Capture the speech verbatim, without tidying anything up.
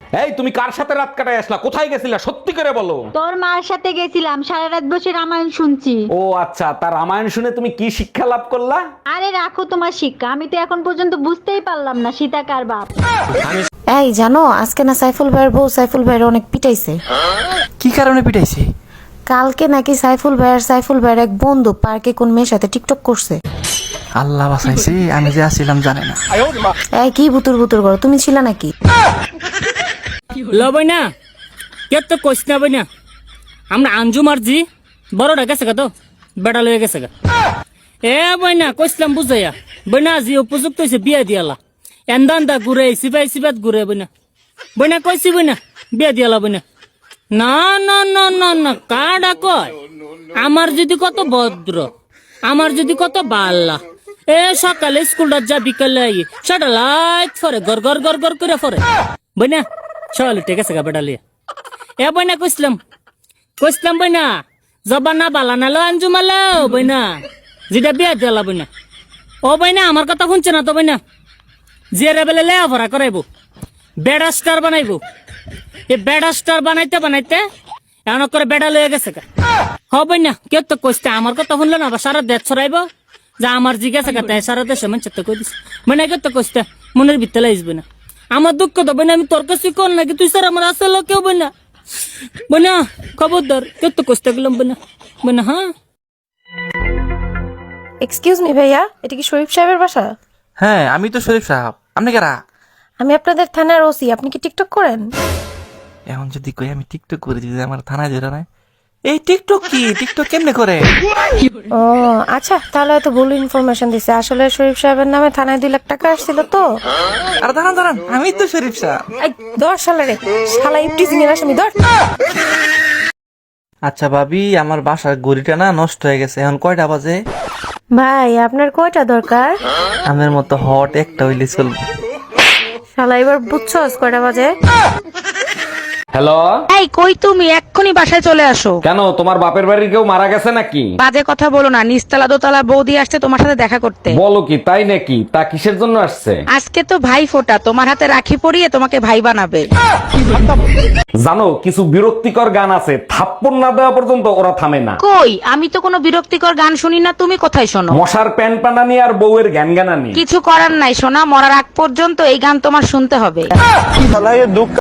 এই তুমি কার সাথে রাত কাটায় আসলা, কোথায় গেছিলা সত্যি করে বলো। তোর মার সাথে গেছিলাম, সারা রাত বসে রামায়ণ শুনছি। ও আচ্ছা, তার রামায়ণ শুনে তুমি কি শিক্ষা লাভ করলা? আরে রাখো তোমার শিক্ষা, আমি তো এখন পর্যন্ত বুঝতেই পারলাম না সীতা কার বাপ। এই জানো আজকে না সাইফুল ভাইয়ের বউ সাইফুল ভাইয়ের অনেক পিটাইছে। কি কারণে পিটাইছে? কালকে নাকি সাইফুল ভাইয়ের সাইফুল ভাইয়ের এক বন্ধু পার্কে কোন মেয়ের সাথে টিকটক করছে। আল্লাহ বাঁচাইছে, আমি যে আসছিলাম জানে না। এই কি বুতুর বুতুর করো, তুমি ছিলা নাকি? লবই না কে তো কইস না বই না, আমরা আঞ্জু মারজি বড়টা গেছে গা, তো বেটা লয়ে গেছে গা। এ বই না কইসলাম বুঝাইয়া বই না, জি উপযুক্ত হয়েছে বিয়া দিয়ালা, এন্দা এন্দা ঘুরে সিপাই সিপাত ঘুরে বই না, বই না কইছি বই না বিয়া দিয়ালা বই না। না না না না না কাডা কয়, আমার যদি কত ভদ্র, আমার যদি কত বাল্লা, এ সকালে স্কুলটা যা বিকালে আই সেটা লাইট ফরে গর গর গর গর করে ফরে বই না। চল ঠিক আছে গা বেটা লিয়া। এ বই না কইসলাম কইসলাম বই না, জবা না বালা না লো আঞ্জু মালো বই না, যেটা বিয়া দিলা বই না। ও বই না আমার কথা শুনছে না তো বই না, যে রেবেলে লেয়া ভরা করাইবো, বেড়া স্টার বানাইবো। এ বেড়া স্টার বানাইতে বানাইতে এমন করে বেড়া লয়ে গেছে গা। হবই না কেউ তো কইতে আমার কথা শুনলো না, আবার সারা দেশ ছড়াইব যা আমার জিজ্ঞাসা কথা সারা দেশে মানুষ তো কই দিস মানে কেউ তো কইতে মনের ভিতরে আসবে না। আমার দুঃখ তো বই না, আমি তোর কাছে কল নাকি তুই স্যার আমার আসলে কেউ বই না বই না, খবরদার কেউ তো কইতে গেলাম বই না বই না। হ্যাঁ এক্সকিউজ মি ভাইয়া, এটা কি শরীফ সাহেবের বাসা? হ্যাঁ আমি তো শরীফ সাহেব, আপনি কারা? আমি আপনাদের থানার ওসি। আপনি কি টিকটক করেন? এখন যদি কই আমি টিকটক করে যদি আমার থানায় ধরে না, এই টিকটক কি, টিকটক কেমনে করে? ও আচ্ছা, তাহলে হয়তো ভুল ইনফরমেশন দিছে। আসলে শরীফ সাহেবের নামে থানায় দুই লাখ টাকা আসছিল তো। আর দাঁড়ান দাঁড়ান, আমি তো শরীফ সাহেব। এই দশ সালের শালা ইফটিজিং এর আসামি ধর। আচ্ছা ভাবি, আমার বাসার গড়িটা না নষ্ট হয়ে গেছে, এখন কয়টা বাজে? ভাই আপনার কয়টা দরকার? আমার মতো হট একটা হইলে চলবে। শালা এবার বুঝছস কয়টা বাজে? হ্যালো, এই কই তুমি? এক্ষুনি বাসায় চলে আসো। কেন তোমার বাপের বাড়ির কেউ মারা গেছে নাকি? বাজে কথা বলো না, নিচতলা দোতলা বৌদি আসছে তোমার সাথে দেখা করতে। বলো কি, তাই নাকি? তা কিসের জন্য আসছে? আজকে তো ভাই ফোঁটা, তোমার হাতে রাখি পরিয়ে তোমাকে ভাই বানাবে। জানো কিছু বিরক্তিকর গান আছে, থাপ্পড় না দেওয়া পর্যন্ত ওরা থামে না। কই আমি তো কোনো বিরক্তিকর গান শুনি না, তুমি কোথায় শোনো? মশার প্যান পানানি আর বউয়ের জ্ঞান জ্ঞানানি। কিছু করার নাই সোনা, মরার আগ পর্যন্ত এই গান তোমার শুনতে হবে।